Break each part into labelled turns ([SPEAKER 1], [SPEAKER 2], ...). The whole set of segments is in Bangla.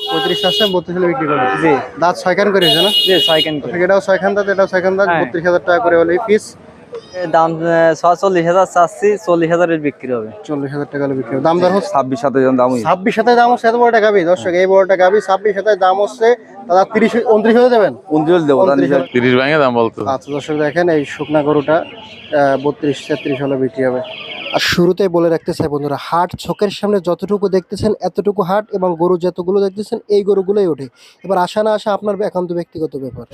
[SPEAKER 1] 35 আছে, 32 হলে বিক্রি করবে।
[SPEAKER 2] জি
[SPEAKER 1] দাঁত 6 খান করে হয়েছে না?
[SPEAKER 2] জি 6 কেন করে।
[SPEAKER 1] এটাও 6 খান দাঁত, এটাও 6 খান দাঁত,
[SPEAKER 2] হ্যাঁ।
[SPEAKER 1] 32,000 টাকা করে হলে পিস।
[SPEAKER 2] দাম 46,000 চাচ্ছি, 40,000 এর বিক্রি হবে।
[SPEAKER 1] 40,000 টাকা হলে বিক্রি হবে। দাম দর হচ্ছে
[SPEAKER 3] 26-27 দাম
[SPEAKER 1] 26,000 দাম হচ্ছে। এত বড়টা গাবি দর্শক, এই বড়টা গাবি 26,000 দাম হচ্ছে। দাদা 30 29 হলে দেবেন?
[SPEAKER 3] 29 দেবো।
[SPEAKER 4] 30 ভাঙে দাম বলতো।
[SPEAKER 1] আচ্ছা দর্শক দেখেন, এই শুকনা গরুটা 32-33 হলে বিক্রি হবে। আর শুরুতেই বলে রাখতে চাই বন্ধুরা, হাট চোখের সামনে যতটুকু দেখতেছেন এতটুকু হাট, এবং গরু যতগুলো দেখতেছেন এই গরুগুলোই ওঠে। এবার আসা না আসা আপনার একান্ত ব্যক্তিগত ব্যাপার।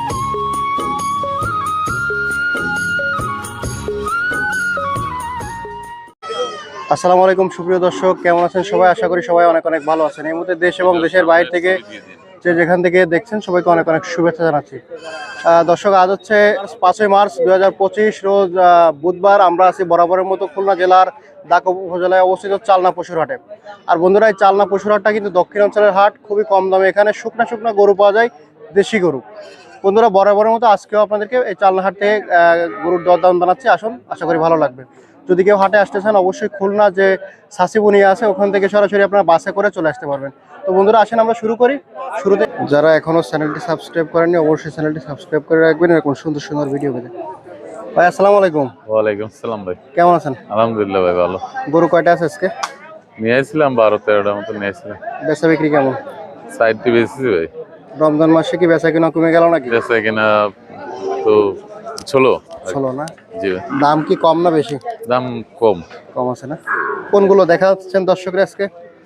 [SPEAKER 1] আসসালামু আলাইকুম সুপ্রিয় দর্শক, কেমন আছেন সবাই? আশা করি সবাই অনেক অনেক ভালো আছেন। এই মুহূর্তে দেশ এবং দেশের বাইরে থেকে যে যেখান থেকে দেখছেন সবাইকে অনেক অনেক শুভেচ্ছা জানাচ্ছি। দর্শক, আজ হচ্ছে 5ই মার্চ 2025 রোজ বুধবার। আমরা আছি বরাবরের মতো খুলনা জেলার দাকা উপজেলায় অবস্থিত চালনা পশুর হাটে। আর বন্ধুরা, এই চালনা পশুর হাটটা কিন্তু দক্ষিণাঞ্চলের হাট, খুবই কম দামে এখানে শুকনা শুকনা গরু পাওয়া যায়, দেশি গরু। বন্ধুরা, বরাবরের মতো আজকেও আপনাদেরকে এই চালনা হাট থেকে গরুর দরদাম জানাচ্ছি। আসুন, আশা করি ভালো লাগবে। যদি কেউ হাটে আসতে চান অবশ্যই খুলনা যে সাসিবুনিয়া আছে ওখান থেকে সরাসরি আপনারা বাসে করে চলে আসতে পারবেন। তো বন্ধুরা আসেন আমরা শুরু করি। শুরুতে যারা এখনো চ্যানেলটি সাবস্ক্রাইব করেননি অবশ্যই চ্যানেলটি সাবস্ক্রাইব করে রাখবেন এরকম সুন্দর সুন্দর ভিডিও পেতে। ভাই আসসালামু আলাইকুম।
[SPEAKER 4] ওয়ালাইকুম সালাম ভাই,
[SPEAKER 1] কেমন আছেন?
[SPEAKER 4] আলহামদুলিল্লাহ ভাই ভালো।
[SPEAKER 1] গরু কয়টা আছে আজকে?
[SPEAKER 4] নিয়ে আসছিলাম 12-13টার মতো নিয়ে আসছিলাম।
[SPEAKER 1] বেচা বিক্রি কেমন?
[SPEAKER 4] সাইডটি বেশি ভাই।
[SPEAKER 1] রমজান মাসে কি বেচা কিনা কমে গেল নাকি?
[SPEAKER 4] বেচা কিনা তো ছোলো
[SPEAKER 1] চলো না।
[SPEAKER 4] জি ভাই।
[SPEAKER 1] দাম কি কম না বেশি?
[SPEAKER 4] দাম কম।
[SPEAKER 1] কম আছে না? কোনগুলো দেখা যাচ্ছেন দর্শকরা আজকে?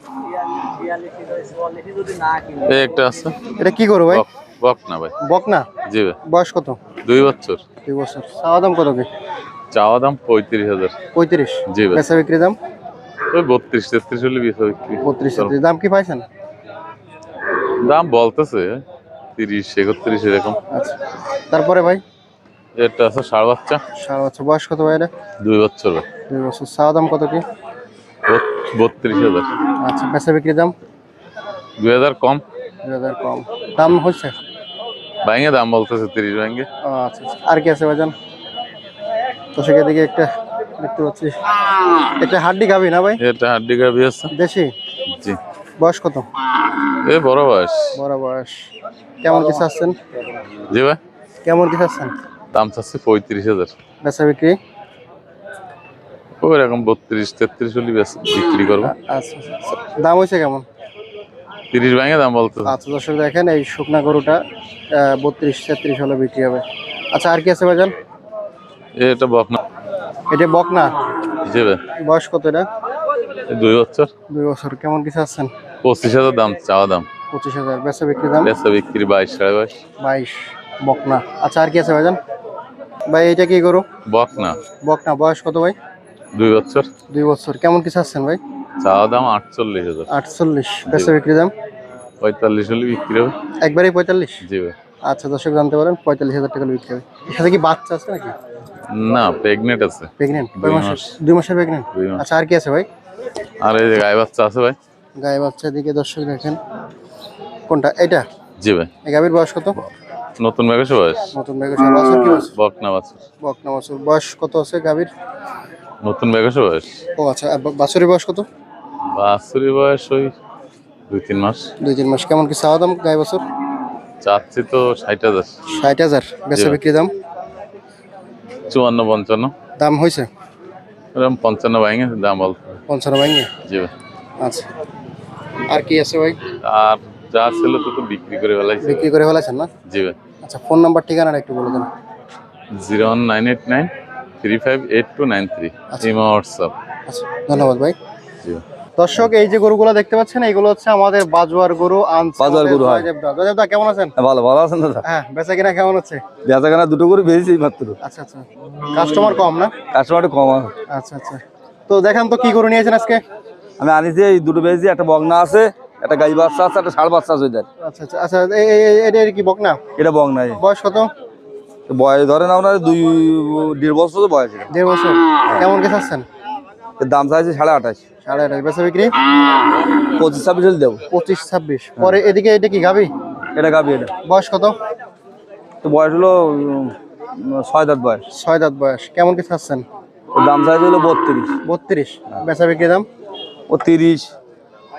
[SPEAKER 4] এই একটা আছে।
[SPEAKER 1] এটা কি গরু ভাই?
[SPEAKER 4] বক না ভাই।
[SPEAKER 1] বক না?
[SPEAKER 4] জি ভাই।
[SPEAKER 1] বয়স কত?
[SPEAKER 4] 2 বছর।
[SPEAKER 1] 2 বছর। চাওয়া দাম কত কি?
[SPEAKER 4] চাওয়া দাম 35,000।
[SPEAKER 1] 35?
[SPEAKER 4] জি ভাই।
[SPEAKER 1] বেচা বিক্রি দাম?
[SPEAKER 4] ওই 32-33 হলে বেচা বিক্রি।
[SPEAKER 1] 32 দাম কি পাইছেন?
[SPEAKER 4] দাম বলতেছে 30-31 এরকম।
[SPEAKER 1] আচ্ছা, তারপরে ভাই
[SPEAKER 4] এটা আছে ষাঁড় বাচ্চা।
[SPEAKER 1] ষাঁড় বাচ্চা। বয়স কত ভাই এটা?
[SPEAKER 4] 2 বছর ভাই।
[SPEAKER 1] 2 বছর। চাওয়া দাম কত কি?
[SPEAKER 4] 32,000।
[SPEAKER 1] আচ্ছা, বেচা বিক্রি দাম?
[SPEAKER 4] 2,000 কম।
[SPEAKER 1] 2000 কম। দাম হচ্ছে?
[SPEAKER 4] ভাঙে দাম বলতেছে 30 ভাঙে।
[SPEAKER 1] আচ্ছা আচ্ছা। আর কি আছে ভাইজান? তো সেখান থেকে একটা দেখতে পাচ্ছি, একটা হাড্ডি গাবি না ভাই?
[SPEAKER 4] এটা হাড্ডি গাভী আছে।
[SPEAKER 1] দেশি?
[SPEAKER 4] জি।
[SPEAKER 1] বয়স কত?
[SPEAKER 4] এ বড় বয়স।
[SPEAKER 1] বড় বয়স। কেমন কি চাচ্ছেন?
[SPEAKER 4] জি ভাই।
[SPEAKER 1] কেমন কি চাচ্ছেন?
[SPEAKER 4] দাম চাচ্ছে 35,000।
[SPEAKER 1] বেচা বিক্রি?
[SPEAKER 4] ওই রকম 32-33 হলে বিক্রি করবো।
[SPEAKER 1] আচ্ছা আচ্ছা। দাম হয়েছে কেমন?
[SPEAKER 4] 30 ভাঙে দাম বলতো।
[SPEAKER 1] আচ্ছা দর্শক দেখেন, এই শুকনা গরুটা 32-33 হলে বিক্রি হবে। আচ্ছা, আর কি আছে ভাইজান?
[SPEAKER 4] এটা বক না।
[SPEAKER 1] এটা বকনা?
[SPEAKER 4] জি ভাই।
[SPEAKER 1] বয়স কত এটা?
[SPEAKER 4] 2 বছর।
[SPEAKER 1] 2 বছর। কেমন কি চাচ্ছেন?
[SPEAKER 4] 25,000 দাম চাওয়া দাম।
[SPEAKER 1] 25,000। বেচা বিক্রি দাম?
[SPEAKER 4] বেচা বিক্রি 22-22.5।
[SPEAKER 1] 22। বকনা। আচ্ছা, আর কি আছে ভাইজান? ভাই এটা কি গরু?
[SPEAKER 4] বক না।
[SPEAKER 1] বকনা। বয়স কত ভাই?
[SPEAKER 4] 2 বছর।
[SPEAKER 1] 2 বছর। কেমন কি চাচ্ছেন ভাই?
[SPEAKER 4] চাওয়া দাম 48,000।
[SPEAKER 1] 48। বেচা বিক্রি দাম?
[SPEAKER 4] 45 হলে বিক্রি হবে।
[SPEAKER 1] একবারেই 45?
[SPEAKER 4] জি ভাই।
[SPEAKER 1] আচ্ছা দর্শক জানতে পারেন 45,000 টাকা বিক্রি হবে। এর সাথে কি বাচ্চা আছে নাকি?
[SPEAKER 4] না, প্রেগনেন্ট আছে।
[SPEAKER 1] প্রেগনেন্ট?
[SPEAKER 4] 2 মাস।
[SPEAKER 1] 2 মাসের প্রেগনেন্ট?
[SPEAKER 4] 2 মাস।
[SPEAKER 1] আচ্ছা, আর কি আছে ভাই?
[SPEAKER 4] আর এই যে গায়ে বাচ্চা আছে ভাই।
[SPEAKER 1] গায়ে বাচ্চা দিকে দর্শক দেখেন। কোনটা এটা?
[SPEAKER 4] জি ভাই।
[SPEAKER 1] এই গাভীর বয়স কত?
[SPEAKER 4] নতুন ব্যাগের বয়স।
[SPEAKER 1] নতুন ব্যাগের বছর কি বয়স?
[SPEAKER 4] বক না বাছুর।
[SPEAKER 1] বকনা বছর। বয়স কত আছে গাভীর?
[SPEAKER 4] নতুন ব্যাগের বয়স।
[SPEAKER 1] ও আচ্ছা, বাছুরের বয়স কত?
[SPEAKER 4] বাছুরের বয়স ওই 2-3 মাস।
[SPEAKER 1] 2-3 মাস। কেমন কি চাওয়া দাম গায়ে বছর?
[SPEAKER 4] চাচ্ছি তো 60,000।
[SPEAKER 1] 60,000। বেচা বিক্রি দাম?
[SPEAKER 4] 54-55।
[SPEAKER 1] দাম হয়েছে?
[SPEAKER 4] এরকম 55 ভাঙে দাম বল।
[SPEAKER 1] 55 ভাঙে?
[SPEAKER 4] জি ভাই।
[SPEAKER 1] আচ্ছা, আর কি আছে ভাই?
[SPEAKER 4] আর যা ছিল তো বিক্রি করে ফেলাইছি।
[SPEAKER 1] বিক্রি করে ফেলেছেন না?
[SPEAKER 4] জি ভাই।
[SPEAKER 1] আচ্ছা, ফোন নাম্বার ঠিকানাটা একটু বলে দেন।
[SPEAKER 4] 01989358293। Imo WhatsApp.
[SPEAKER 1] আচ্ছা, ধন্যবাদ ভাই।
[SPEAKER 4] জি ভাই।
[SPEAKER 1] দর্শক, এই যে গরুগুলো দেখতে পাচ্ছেন এইগুলো হচ্ছে আমাদের বাজুয়ার গরু।
[SPEAKER 3] বাজুয়ার গরু, হয়।
[SPEAKER 1] জয়দেবদা কেমন আছেন?
[SPEAKER 3] ভালো ভালো আছেন দাদা?
[SPEAKER 1] হ্যাঁ, বেচা কিনা কেমন হচ্ছে?
[SPEAKER 3] বেচাকেনা দুটো করে বেশি মাত্র।
[SPEAKER 1] আচ্ছা আচ্ছা। কাস্টমার কম না?
[SPEAKER 3] কাস্টমার কম আছে।
[SPEAKER 1] আচ্ছা আচ্ছা। তো দেখান তো কি গরু নিয়েছেন আজকে?
[SPEAKER 3] আমি আনিছি এই দুটো বেশি, একটা বগনা আছে, একটা গাই বাচ্চা আছে, একটা ষাঁড় বাচ্চা আছে।
[SPEAKER 1] আচ্ছা আচ্ছা আচ্ছা। এটা কি বকনা?
[SPEAKER 3] এটা বগনা।
[SPEAKER 1] বয়স কত?
[SPEAKER 3] বয়স ধরেন আপনার 2.5 বছর বয়স।
[SPEAKER 1] 1.5 বছর। কেমন কে চাচ্ছেন?
[SPEAKER 3] এর দাম চাইছে 28.5।
[SPEAKER 1] 28। বেচা বিক্রি?
[SPEAKER 3] 25-26 হলে দেবো।
[SPEAKER 1] 25-26। পরে এদিকে এটা কি গাবি?
[SPEAKER 3] এটা গাবি। এটা
[SPEAKER 1] বয়স কত?
[SPEAKER 3] তো বয়স হলো 6 দাঁত বয়স।
[SPEAKER 1] 6 দাঁত বয়স। কেমন কি চাচ্ছেন?
[SPEAKER 3] ওর দাম চাইছে হলো 32।
[SPEAKER 1] 32। বেচা বিক্রি দাম?
[SPEAKER 3] ও 30,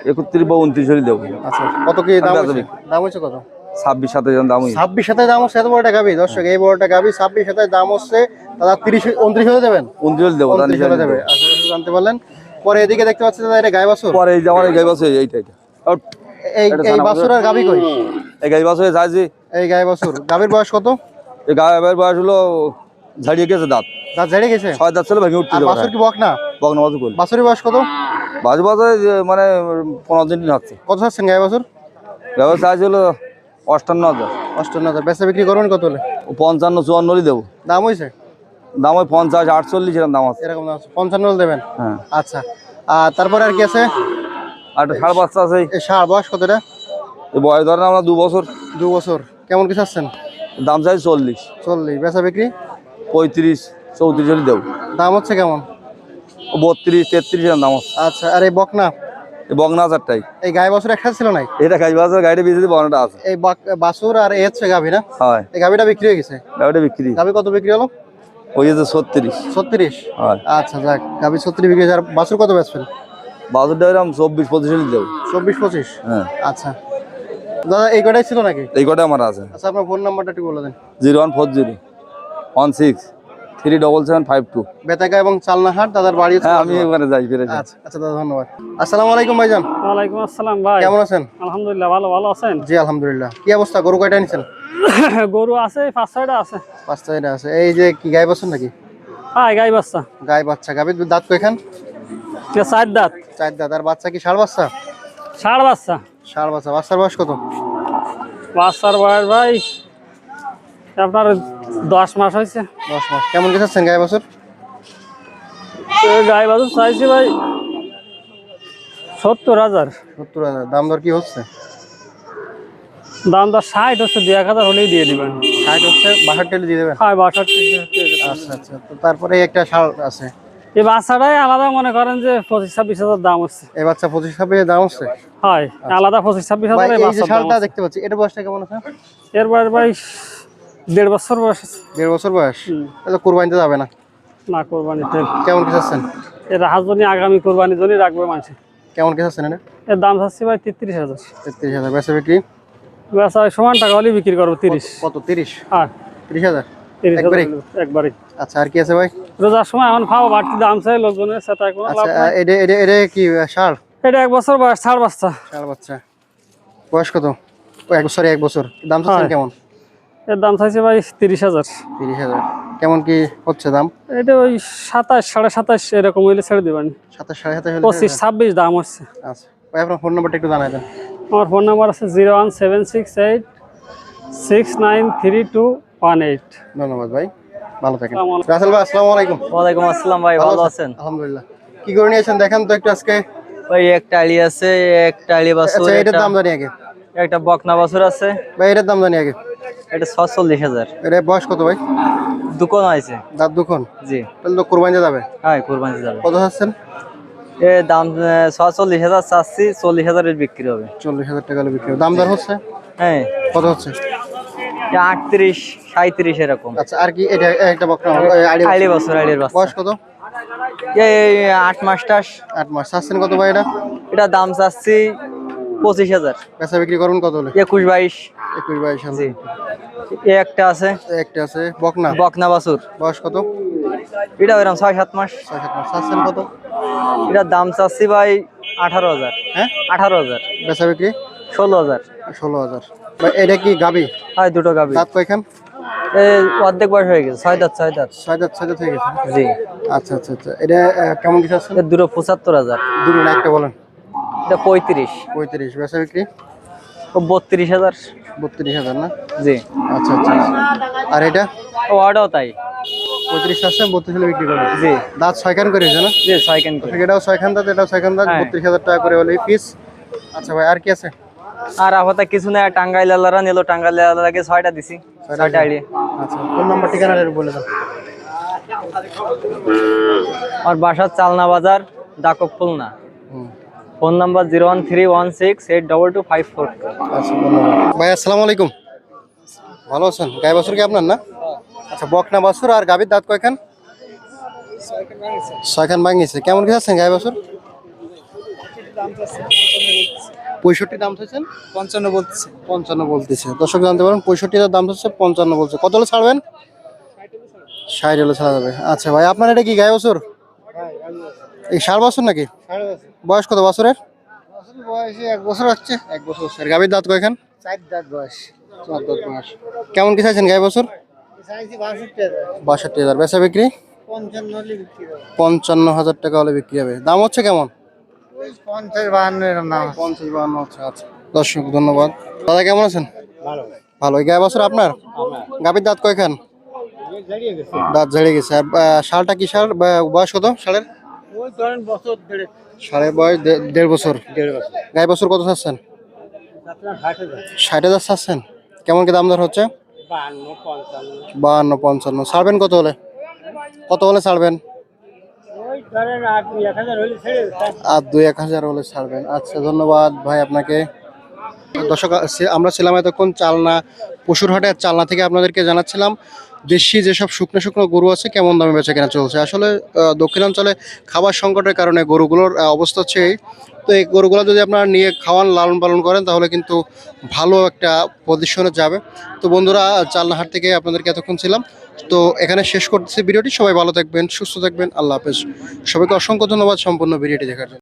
[SPEAKER 3] 31 বা 29 হলে দেবো।
[SPEAKER 1] আচ্ছা কত কি দাম
[SPEAKER 3] বেচা
[SPEAKER 1] হয়েছে?
[SPEAKER 3] বিক্রি।
[SPEAKER 1] দাম হয়েছে কত?
[SPEAKER 3] 26-27 দাম হয়েছে।
[SPEAKER 1] 26,000 দাম হচ্ছে, এত বড়টা গাবি দর্শক, এই বড়টা গাবি 26,000 দাম হচ্ছে, দাদা 30-29 হলে দেবেন?
[SPEAKER 3] 29 হলে দেবো,
[SPEAKER 1] 29 হলে দেবে। আচ্ছা দর্শক জানতে পারলেন। পরে এদিকে দেখতে পাচ্ছি দাদা, এটা গাই বাছুর।
[SPEAKER 3] পরে এই যে আমার এই গাই বাছুর এইটা আউট।
[SPEAKER 1] এই
[SPEAKER 3] এটা
[SPEAKER 1] এই
[SPEAKER 3] ছানা
[SPEAKER 1] বাছুর আর গাবি কই?
[SPEAKER 3] এই গাই বাছুর যাইছি।
[SPEAKER 1] এই গাই বাছুর, গাবির বয়স কত?
[SPEAKER 3] এই গায়ের বয়স হলো ঝাড়িয়ে গেছে দাঁত।
[SPEAKER 1] দাঁত ঝেড়ে গেছে?
[SPEAKER 3] 6 দাঁত ছিল ভেঙে উঠতে
[SPEAKER 1] আর
[SPEAKER 3] যাবে।
[SPEAKER 1] বাছুর কি বক না?
[SPEAKER 3] বগনা বাছুর করি।
[SPEAKER 1] বাছুরের বয়স কত?
[SPEAKER 3] বাজু বাজে মানে 15 দিন হচ্ছে।
[SPEAKER 1] কত চাচ্ছেন গাই বাছুর?
[SPEAKER 3] ব্যবস্থা ছিল 58,000।
[SPEAKER 1] 58,000 বেচা বিক্রি করবেন কত হলে?
[SPEAKER 3] 55-54 হলে দেবো।
[SPEAKER 1] দাম হয়েছে
[SPEAKER 3] দাম ওই 50-48 এরকম দাম আছে।
[SPEAKER 1] এরকম দাম আছে, 55 হলে দেবেন?
[SPEAKER 3] হ্যাঁ।
[SPEAKER 1] আচ্ছা আর তারপরে আর কি আছে?
[SPEAKER 3] আর একটা ষাঁড় বাচ্চা আছে।
[SPEAKER 1] এই ষাঁড় বয়স কত? এটা
[SPEAKER 3] এই বয়স ধরেন আমরা 2 বছর।
[SPEAKER 1] 2 বছর। কেমন কি চাচ্ছেন?
[SPEAKER 3] দাম চাই 40।
[SPEAKER 1] 40 বেচা বিক্রি?
[SPEAKER 3] 35-34 হলে দেবো।
[SPEAKER 1] দাম হচ্ছে কেমন?
[SPEAKER 3] 32-33 এরকম দাম আছে।
[SPEAKER 1] আচ্ছা আর এই বকনা?
[SPEAKER 3] এই বগনা হাজারটাই।
[SPEAKER 1] এই গাই বাছুর একসাথে ছিল নাই?
[SPEAKER 3] এটা গাই বাজার গাড়িটা বেঁচে বগনাটা আছে।
[SPEAKER 1] এই বাছুর আর এই হচ্ছে গাভি না?
[SPEAKER 3] হয়।
[SPEAKER 1] এই গাভিটা বিক্রি হয়ে গেছে?
[SPEAKER 3] গাড়িটা বিক্রি
[SPEAKER 1] গাভি কত বিক্রি হলো?
[SPEAKER 3] ওই যে 36।
[SPEAKER 1] 36?
[SPEAKER 3] হয়।
[SPEAKER 1] আচ্ছা যাক, গাভি 36 বিক্রি হয়েছে। আর বাছুর কত বেচবেন?
[SPEAKER 3] বাজারটা এরকম 24-25 হলে দেবো।
[SPEAKER 1] 24-25?
[SPEAKER 3] হ্যাঁ।
[SPEAKER 1] আচ্ছা দাদা এই কটাই ছিল নাকি?
[SPEAKER 3] এই কটা আমার আছে।
[SPEAKER 1] আচ্ছা আপনার ফোন নাম্বারটা একটু বলে দেন।
[SPEAKER 3] 0140-16-37752।
[SPEAKER 1] বেতাগা এবং চালনাহাট দাদার বাড়ি হচ্ছে?
[SPEAKER 3] হ্যাঁ আমি এবারে যাই ফিরে যাই।
[SPEAKER 1] আচ্ছা আচ্ছা দাদা ধন্যবাদ। আসসালামু আলাইকুম ভাইজান।
[SPEAKER 2] ওয়ালাইকুম আসসালাম ভাই,
[SPEAKER 1] কেমন আছেন?
[SPEAKER 2] আলহামদুলিল্লাহ ভালো। ভালো আছেন?
[SPEAKER 1] জি আলহামদুলিল্লাহ। কি অবস্থা, গরু কয়টা নিছেন?
[SPEAKER 2] গরু আছে 5-6টা আছে।
[SPEAKER 1] 5টা আছে। এই যে কি গাই বাছুর নাকি?
[SPEAKER 2] হ্যাঁ গাই বাচ্চা।
[SPEAKER 1] গাই বাচ্চা। গাবির দাঁত কয়খান?
[SPEAKER 2] 4 দাঁত।
[SPEAKER 1] 4 দাঁত। আর বাচ্চা কি ষাঁড় বাচ্চা?
[SPEAKER 2] ষাঁড় বাচ্চা।
[SPEAKER 1] ষাঁড় বাচ্চা। বাচ্চার বয়স কত?
[SPEAKER 2] বাচ্চার বয়স ভাই আপনার 10 মাস হয়েছে।
[SPEAKER 1] 10 মাস। কেমন কি চাচ্ছেন গাই বাছুর?
[SPEAKER 2] গাই বাছুর চাইছি ভাই 70,000।
[SPEAKER 1] 70,000। দাম দর কি হচ্ছে?
[SPEAKER 2] দাম তো 60 হচ্ছে, 2-1000 হলেই দিয়ে দিবেন।
[SPEAKER 1] 60 হচ্ছে, 62 দিয়ে দেবেন?
[SPEAKER 2] হ্যাঁ 62।
[SPEAKER 1] আচ্ছা আচ্ছা। তো তারপরে একটা ষাঁড় আছে।
[SPEAKER 2] এই বাচ্চাটাই আলাদা মনে করেন যে 25-26 দাম হচ্ছে।
[SPEAKER 1] এই বাচ্চা 25-26 দাম হচ্ছে?
[SPEAKER 2] হয় আলাদা 25-26
[SPEAKER 1] ভাই
[SPEAKER 2] এই
[SPEAKER 1] এই যে
[SPEAKER 2] বাচ্চার দাম
[SPEAKER 1] ষাঁড়টা
[SPEAKER 2] আছে।
[SPEAKER 1] দেখতে পাচ্ছি, এটা বয়সটা কেমন আছে?
[SPEAKER 2] এর বয়স ভাই 1.5 বছর বয়স আছে।
[SPEAKER 1] 1.5 বছর বয়স? তাহলে কুরবানিতে যাবে না?
[SPEAKER 2] না কোরবানিতে।
[SPEAKER 1] কেমন কি চাচ্ছেন?
[SPEAKER 2] এর হাজনি আগামী কোরবানির জন্য রাখবে মানুষ।
[SPEAKER 1] কেমন কি চাচ্ছেন এটা?
[SPEAKER 2] এর দাম চাচ্ছি ভাই 33,000।
[SPEAKER 1] 33,000 বেচা বিক্রি?
[SPEAKER 2] বেচা সমান টাকা হলে বিক্রি করবো 30।
[SPEAKER 1] কত? 30?
[SPEAKER 2] হ্যাঁ
[SPEAKER 1] 30,000
[SPEAKER 2] 30,000 একবারে।
[SPEAKER 1] আচ্ছা আর কি আছে ভাই?
[SPEAKER 2] রোজার সময় এখন খাওয়া বাড়তি দাম চাই লোকজনের সাথে কোনো লাভ
[SPEAKER 1] আচ্ছা
[SPEAKER 2] নাই।
[SPEAKER 1] এটা এটা এটা কি ষাঁড়?
[SPEAKER 2] এটা 1 বছর বয়স, ষাঁড় বাচ্চা।
[SPEAKER 1] ষাঁড় বাচ্চা। বয়স কত? ও 1 বছর। দাম চাচ্ছেন
[SPEAKER 2] হ্যাঁ।
[SPEAKER 1] কেমন?
[SPEAKER 2] এর দাম চাইছে ভাই 30,000।
[SPEAKER 1] 30,000। কেমন কি হচ্ছে দাম?
[SPEAKER 2] এটা ওই 27, 27.5 এরকম হইলে ছেড়ে দেবেন।
[SPEAKER 1] 27, 27.5 হলে?
[SPEAKER 2] 25-26 দাম হচ্ছে।
[SPEAKER 1] আচ্ছা ভাই আপনার ফোন নাম্বারটা একটু জানাই দেন।
[SPEAKER 2] আমার ফোন নাম্বার আছে 01768693218।
[SPEAKER 1] ধন্যবাদ ভাই, ভালো থাকেন।
[SPEAKER 2] আসসালামু আলাইকুম।
[SPEAKER 1] রাসেল ভাই আসসালামু আলাইকুম।
[SPEAKER 2] ওয়ালাইকুম আসসালাম ভাই, ভালো আছেন?
[SPEAKER 1] আলহামদুলিল্লাহ। কি করে নিয়েছেন দেখান তো একটু আজকে।
[SPEAKER 2] ভাই একটা আলি আছে, একটা আলি বাছুর,
[SPEAKER 1] আচ্ছা এটার দাম জানি আগে।
[SPEAKER 2] একটা বকনা বাছুর আছে।
[SPEAKER 1] ভাই এটার দাম জানি আগে।
[SPEAKER 2] এটা 46,000।
[SPEAKER 1] এটা বয়স কত ভাই?
[SPEAKER 2] দুকন আছে।
[SPEAKER 1] দাঁত দুখন?
[SPEAKER 2] জি।
[SPEAKER 1] তাহলে তো কুরবানিতে যাবে।
[SPEAKER 2] হ্যাঁ কোরবানি যাবে।
[SPEAKER 1] কত চাচ্ছেন?
[SPEAKER 2] এ দাম 46,000 চাচ্ছি, 40,000 এর বিক্রি হবে।
[SPEAKER 1] 40,000 টাকা হলে বিক্রি হবে। দাম দর হচ্ছে?
[SPEAKER 2] হ্যাঁ
[SPEAKER 1] কত হচ্ছে?
[SPEAKER 2] 38-37 এরকম।
[SPEAKER 1] আচ্ছা আর কি এটা? একটা বকনা
[SPEAKER 2] আইলি বাছুর, আইলির বাচ্চা।
[SPEAKER 1] বয়স কত?
[SPEAKER 2] এই 8 মাস টাস।
[SPEAKER 1] 8 মাস। চাচ্ছেন কত ভাই এটা?
[SPEAKER 2] এটা দাম চাচ্ছি 25,000।
[SPEAKER 1] বেচা বিক্রি করুন কত হলে?
[SPEAKER 2] 21-22।
[SPEAKER 1] 21-22
[SPEAKER 2] জি। এ একটা আছে,
[SPEAKER 1] একটা আছে বকনা।
[SPEAKER 2] বকনা বাছুর।
[SPEAKER 1] বয়স কত?
[SPEAKER 2] এটা ওইরকম 6-7 মাস।
[SPEAKER 1] 6-7 মাস। চাচ্ছেন কত?
[SPEAKER 2] এটার দাম চাচ্ছি ভাই 18,000।
[SPEAKER 1] হ্যাঁ
[SPEAKER 2] 18,000।
[SPEAKER 1] বেচা বিক্রি?
[SPEAKER 2] 16,000।
[SPEAKER 1] 16,000। ভাই এটা কি গাবি?
[SPEAKER 2] হয় দুটো গাবি।
[SPEAKER 1] দাঁত কয়খান?
[SPEAKER 2] অর্ধেক বয়স হয়ে গেছে, 6 দাঁত।
[SPEAKER 1] 6 দাঁত। 6 দাঁত হয়ে গেছে।
[SPEAKER 2] জি।
[SPEAKER 1] আচ্ছা আচ্ছা আচ্ছা। এটা কেমন কি চাচ্ছেন?
[SPEAKER 2] এর দুটো 75,000।
[SPEAKER 1] দুটো না একটা বলেন।
[SPEAKER 2] এটা 35।
[SPEAKER 1] 35। বেচা বিক্রি?
[SPEAKER 2] ও 32,000।
[SPEAKER 1] 32,000 না?
[SPEAKER 2] জি।
[SPEAKER 1] আচ্ছা আচ্ছা। আর এটা?
[SPEAKER 2] ও ওটাও তাই।
[SPEAKER 1] 35 আছে, 32 হলে বিক্রি করবেন।
[SPEAKER 2] জি।
[SPEAKER 1] দাঁত 6 খান করে হয়েছে না?
[SPEAKER 2] জি 6 কেন করে।
[SPEAKER 1] এটাও 6 খান দাঁত, এটাও 6 খান দাঁত।
[SPEAKER 2] হ্যাঁ।
[SPEAKER 1] 32,000 টাকা করে হলে পিস। আচ্ছা ভাই আর কি আছে?
[SPEAKER 2] আর আপাতত কিছু না, টাঙ্গাইল আলারা নিল, টাঙ্গাইল আলারাকে 6টা দিছি। 6টা আইডিয়া।
[SPEAKER 1] আচ্ছা ফোন নাম্বার ঠিকানা বলে দাও।
[SPEAKER 2] আর বাসার চালনা বাজার, ডাকক খুলনা। Phone number 01316822542।
[SPEAKER 1] আচ্ছা ধন্যবাদ ভাই। আসসালামু আলাইকুম। ভালো আছেন? গাই বাছুর কি আপনার না? আচ্ছা বকনা বাছুর। আর গাভীর দাঁত কয়খান? 6 খান ভাঙিছে। কেমন কি আছেন গাই বাছুর? 65 দাম চাইছেন?
[SPEAKER 2] 55 বলতেছে।
[SPEAKER 1] 55 বলতেছে। দর্শক জানতে পারেন 65 দাম হচ্ছে, 55 বলছে। কত হলে ছাড়বেন? 60 হলে ছাড়া যাবে। আচ্ছা ভাই, আপনার এটা কি গায়ে বছর? এই 60 বছর নাকি? বয়স কত বছরের?
[SPEAKER 2] বয়স 1 বছর হচ্ছে।
[SPEAKER 1] 1 বছর। স্যার গাভীর দাঁত কয়খান?
[SPEAKER 2] 4 দাঁত বয়স।
[SPEAKER 1] 4 দাঁত বয়স। কেমন কি চাইছেন গায়ে বছর?
[SPEAKER 2] চাইছি 62,000।
[SPEAKER 1] 62,000। বেচা বিক্রি?
[SPEAKER 2] 55 হলে বিক্রি হবে।
[SPEAKER 1] 55,000 টাকা হলে বিক্রি হবে। দাম হচ্ছে কেমন?
[SPEAKER 2] ওই 50-52 এর নাম।
[SPEAKER 1] 50-52 হচ্ছে। আচ্ছা দর্শক ধন্যবাদ। দাদা কেমন আছেন?
[SPEAKER 2] ভালো।
[SPEAKER 1] ভালো। এই গায়ে বছর আপনার? গাভীর দাঁত কয়খান?
[SPEAKER 2] জারিয়ে গেছে।
[SPEAKER 1] দাঁত ঝেড়ে গেছে। আর ষাঁড়টা কি ষাঁড়? বয়স কত ষাঁড়ের?
[SPEAKER 2] ওই ধরেন বছর 1.5।
[SPEAKER 1] ষাঁড়ের বয়স 1.5 বছর।
[SPEAKER 2] 1.5 বছর।
[SPEAKER 1] গায়ে বছর কত চাচ্ছেন?
[SPEAKER 2] আপনার 60,000।
[SPEAKER 1] 60,000 চাচ্ছেন। কেমন কি দাম দর হচ্ছে?
[SPEAKER 2] 52, 55।
[SPEAKER 1] 52-55। ছাড়বেন কত হলে? কত হলে ছাড়বেন?
[SPEAKER 2] ওই ধরেন 8-1000 হলে ছেড়ে দেন।
[SPEAKER 1] আর 2-1000 হলে ছাড়বেন। আচ্ছা ধন্যবাদ ভাই আপনাকে। দর্শক আমরা ছিলাম এতক্ষণ চালনা পশুর হাটে। আর চালনা থেকে আপনাদেরকে জানাচ্ছিলাম দেশি যেসব শুকনো শুকনো গরু আছে কেমন দামে বেচা কেনা চলছে। আসলে দক্ষিণাঞ্চলে খাবার সংকটের কারণে গরুগুলোর অবস্থা হচ্ছে এই। তো এই গরুগুলো যদি আপনারা নিয়ে খাওয়ান, লালন পালন করেন, তাহলে কিন্তু ভালো একটা পজিশনে যাবে। তো বন্ধুরা, চালনা হাট থেকে আপনাদেরকে এতক্ষণ ছিলাম। তো এখানে শেষ করতেছি ভিডিওটি। সবাই ভালো থাকবেন, সুস্থ থাকবেন। আল্লাহ হাফেজ। সবাইকে অসংখ্য ধন্যবাদ সম্পূর্ণ ভিডিওটি দেখার জন্য।